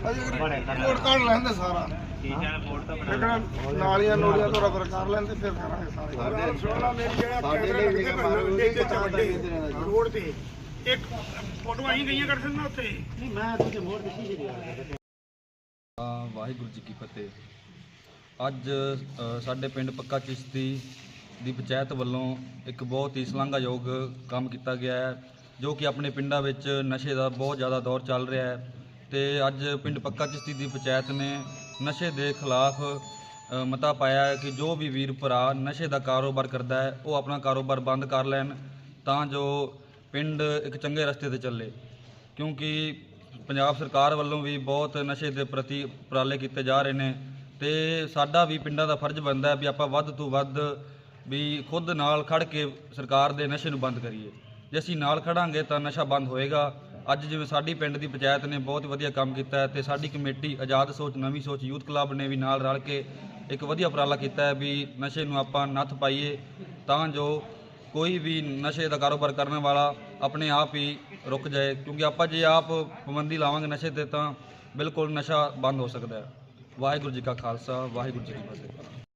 ਕੋਟ ਕਾਢ ਲੈਂਦੇ ਸਾਰਾ ਨਾਲੀਆਂ ਨੋਲੀਆਂ ਤੋਂ ਰਬਰ ਕਰ ਲੈਂਦੇ ਫਿਰ ਕਰਾਂਗੇ ਸਾਰੇ ਰੋਡ ਤੇ ਇੱਕ ਫੋਟੋ ਆਈ ਗਈਆਂ ਕਰ ਦਿੰਦਾ ਉੱਥੇ ਨਹੀਂ ਮੈਂ ਤੁਸੀਂ ਮੋੜ ਦਿੱਤੀ ਜੀ। ਵਾਹਿਗੁਰੂ ਜੀ ਕੀ ਫਤਿਹ। ਅੱਜ ਸਾਡੇ ਪਿੰਡ ਪੱਕਾ ਚਿਸ਼ਤੀ ਦੀ ਪੰਚਾਇਤ ਵੱਲੋਂ ਇੱਕ ਬਹੁਤ ਹੀ ਸ਼ਲਾਘਾਯੋਗ ਕੰਮ ਕੀਤਾ ਗਿਆ ਹੈ, ਜੋ ਕਿ ਆਪਣੇ ਪਿੰਡਾਂ ਵਿੱਚ ਨਸ਼ੇ ਦਾ ਬਹੁਤ ਜ਼ਿਆਦਾ ਦੌਰ ਚੱਲ ਰਿਹਾ ਹੈ। ਤੇ ਅੱਜ ਪਿੰਡ ਪੱਕਾ ਚਿਸ਼ਤੀ ਦੀ ਪੰਚਾਇਤ ਨੇ ਨਸ਼ੇ ਦੇ ਖਿਲਾਫ ਮਤਾ ਪਾਇਆ ਹੈ ਕਿ ਜੋ ਵੀ ਵੀਰ ਭਰਾ ਨਸ਼ੇ ਦਾ ਕਾਰੋਬਾਰ ਕਰਦਾ ਹੈ ਉਹ ਆਪਣਾ ਕਾਰੋਬਾਰ ਬੰਦ ਕਰ ਲੈਣ, ਤਾਂ ਜੋ ਪਿੰਡ ਇੱਕ ਚੰਗੇ ਰਸਤੇ ਤੇ ਚੱਲੇ। ਕਿਉਂਕਿ ਪੰਜਾਬ ਸਰਕਾਰ ਵੱਲੋਂ ਵੀ ਬਹੁਤ ਨਸ਼ੇ ਦੇ ਪ੍ਰਤੀ ਉਪਰਾਲੇ ਕੀਤੇ ਜਾ ਰਹੇ ਨੇ ਤੇ ਸਾਡਾ ਵੀ ਪਿੰਡਾਂ ਦਾ ਫਰਜ਼ ਬਣਦਾ ਹੈ ਵੀ ਆਪਾਂ ਵੱਧ ਤੋਂ ਵੱਧ ਵੀ ਖੁਦ ਨਾਲ ਖੜ ਕੇ ਸਰਕਾਰ ਦੇ ਨਸ਼ੇ ਨੂੰ ਬੰਦ ਕਰੀਏ। ਜੇ ਅਸੀਂ ਨਾਲ ਖੜਾਂਗੇ ਤਾਂ ਨਸ਼ਾ ਬੰਦ ਹੋਏਗਾ। ਅੱਜ ਜਿਵੇਂ ਸਾਡੀ ਪਿੰਡ ਦੀ ਪੰਚਾਇਤ ਨੇ ਬਹੁਤ ਵਧੀਆ ਕੰਮ ਕੀਤਾ ਹੈ ਤੇ ਸਾਡੀ ਕਮੇਟੀ ਆਜ਼ਾਦ ਸੋਚ ਨਵੀਂ ਸੋਚ ਯੂਥ ਕਲੱਬ ਨੇ ਵੀ ਨਾਲ ਰਲ ਕੇ ਇੱਕ ਵਧੀਆ ਉਪਰਾਲਾ ਕੀਤਾ ਹੈ ਵੀ ਨਸ਼ੇ ਨੂੰ ਆਪਾਂ ਨੱਥ ਪਾਈਏ, ਤਾਂ ਜੋ ਕੋਈ ਵੀ ਨਸ਼ੇ ਦਾ ਕਾਰੋਬਾਰ ਕਰਨ ਵਾਲਾ ਆਪਣੇ ਆਪ ਹੀ ਰੁਕ ਜਾਏ। ਕਿਉਂਕਿ ਆਪਾਂ ਜੇ ਆਪ ਪਾਬੰਦੀ ਲਾਵਾਂਗੇ ਨਸ਼ੇ ਤੇ ਤਾਂ ਬਿਲਕੁਲ ਨਸ਼ਾ ਬੰਦ ਹੋ ਸਕਦਾ ਹੈ। ਵਾਹਿਗੁਰੂ ਜੀ ਕਾ ਖਾਲਸਾ, ਵਾਹਿਗੁਰੂ ਜੀ ਕੀ ਫਤਿਹ।